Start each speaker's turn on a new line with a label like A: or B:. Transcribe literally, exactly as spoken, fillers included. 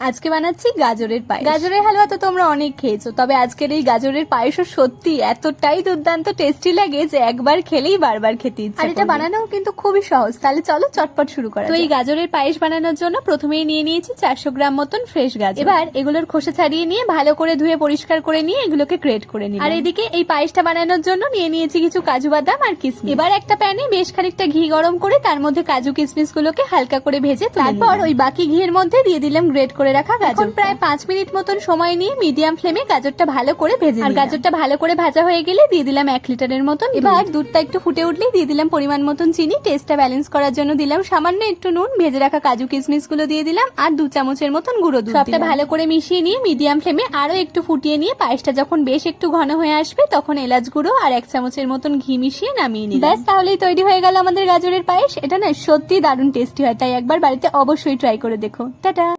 A: আজকে বানাচ্ছি গাজরের পায়েস। গাজরের হালুয়া তো তোমরা অনেক খেয়েছো, তবে আজকের এই গাজরের পায়েসও সত্যি এতটাই দুর্দান্ত টেস্টি লাগে যে একবার খেলেই বারবার খেতে ইচ্ছে করে। আর এটা বানানো কিন্তু খুবই সহজ। তাহলে চলো চটপট শুরু করা। তো এই গাজরের পায়েস বানানোর জন্য প্রথমেই নিয়ে নিয়েছি চারশো গ্রাম মতন ফ্রেশ গাজর। এবার এগুলোর খোসা ছাড়িয়ে নিয়ে ভালো করে ধুয়ে পরিষ্কার করে নিয়ে এগুলোকে গ্রেট করে নিই। আর এদিকে এই পায়েসটা বানানোর জন্য নিয়ে নিয়েছি কিছু কাজু বাদাম আর কিশমিশ। এবার একটা প্যানে বেশ খানিকটা ঘি গরম করে তার মধ্যে কাজু কিশমিশ গুলোকে হালকা করে ভেজে তারপর ওই বাকি ঘিয়ের মধ্যে দিয়ে দিলাম গ্রেট করে রাখা গাজর। প্রায় পাঁচ মিনিট মতন সময় নিয়ে মিডিয়াম ফ্লেমে গাজরটা ভালো করে ভেজে আর গাজরটা ভালো করে ভাজা হয়ে গেলে দিয়ে দিলাম এক লিটারের মতন। এবার দুধটা একটু ফুটে উঠলেই দিয়ে দিলাম পরিমাণ মতন চিনি। টেস্টটা ব্যালেন্স করার জন্য দিলাম সামান্য একটু নুন। ভেজে রাখা কাজু কিশমিশ গুলো দিয়ে দিলাম আর দু চামচের মতন গুঁড়ো দুধ। সবটা ভালো করে মিশিয়ে নিয়ে মিডিয়াম ফ্লেমে আরো একটু ফুটিয়ে নিয়ে পায়েসটা যখন বেশ একটু ঘন হয়ে আসবে তখন এলাচ গুঁড়ো আর এক চামচের মতন ঘি মিশিয়ে নামিয়ে নিই। ব্যাস, তাহলেই তৈরি হয়ে গেল আমাদের গাজরের পায়েস। এটা না সত্যি দারুণ টেস্টি হয়, তাই একবার বাড়িতে অবশ্যই ট্রাই করে দেখো। টাটা।